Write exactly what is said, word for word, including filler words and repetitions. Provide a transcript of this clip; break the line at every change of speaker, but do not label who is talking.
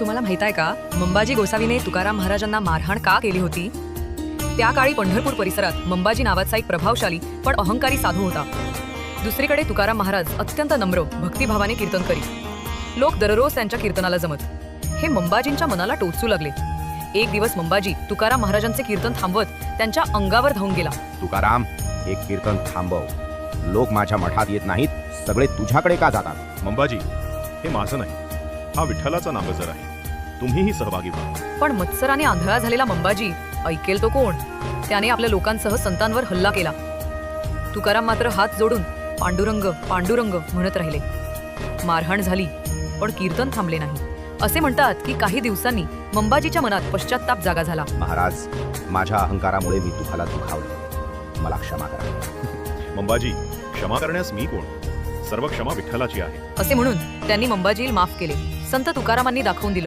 तुम्हाला माहित आहे का, मंबाजी गोसावीने तुकाराम महाराजांना मारहाण का केली होती? त्या काळी पंढरपूर परिसरात मंबाजी नावाचा एक प्रभावशाली पण अहंकारी साधू होता. दुसरीकडे तुकाराम महाराज अत्यंत नम्र भक्तिभावाने कीर्तन करीत. लोक दररोज त्यांच्या कीर्तनाला जमत. हे मंबाजींच्या मनाला टोचू लागले. एक दिवस मंबाजी तुकाराम महाराजांचे कीर्तन थांबवत त्यांच्या अंगावर धावून गेला.
तुकाराम, एक कीर्तन थांबव. लोक माझ्या मठात येत नाहीत, सगळे तुझ्याकडे का जातात?
मंबाजी, हे माझं नाही, हा विठ्ठलाचा नामजर आहे. तुम्हीही सहभागी व्हा.
पण मत्सराने आंधळा झालेला मंबाजी ऐकेल तो कोण? त्याने आपल्या लोकांसह संतांवर हल्ला केला. तुकाराम मात्र हात जोडून पांडुरंग पांडुरंग म्हणत राहिले. मारहाण झाली, पण कीर्तन थांबले नाही. असे म्हणतात की काही दिवसांनी मंबाजीच्या मनात पश्चात्ताप जागा झाला.
महाराज, माझ्या अहंकारामुळे मी तुम्हाला दुखावले, मला क्षमा करा.
मंबाजी, क्षमा करण्यास मी कोण? सर्व क्षमा विठ्ठलाची आहे.
असे म्हणून त्यांनी मंबाजीला माफ केले. संत तुकारामांनी दाखवून दिले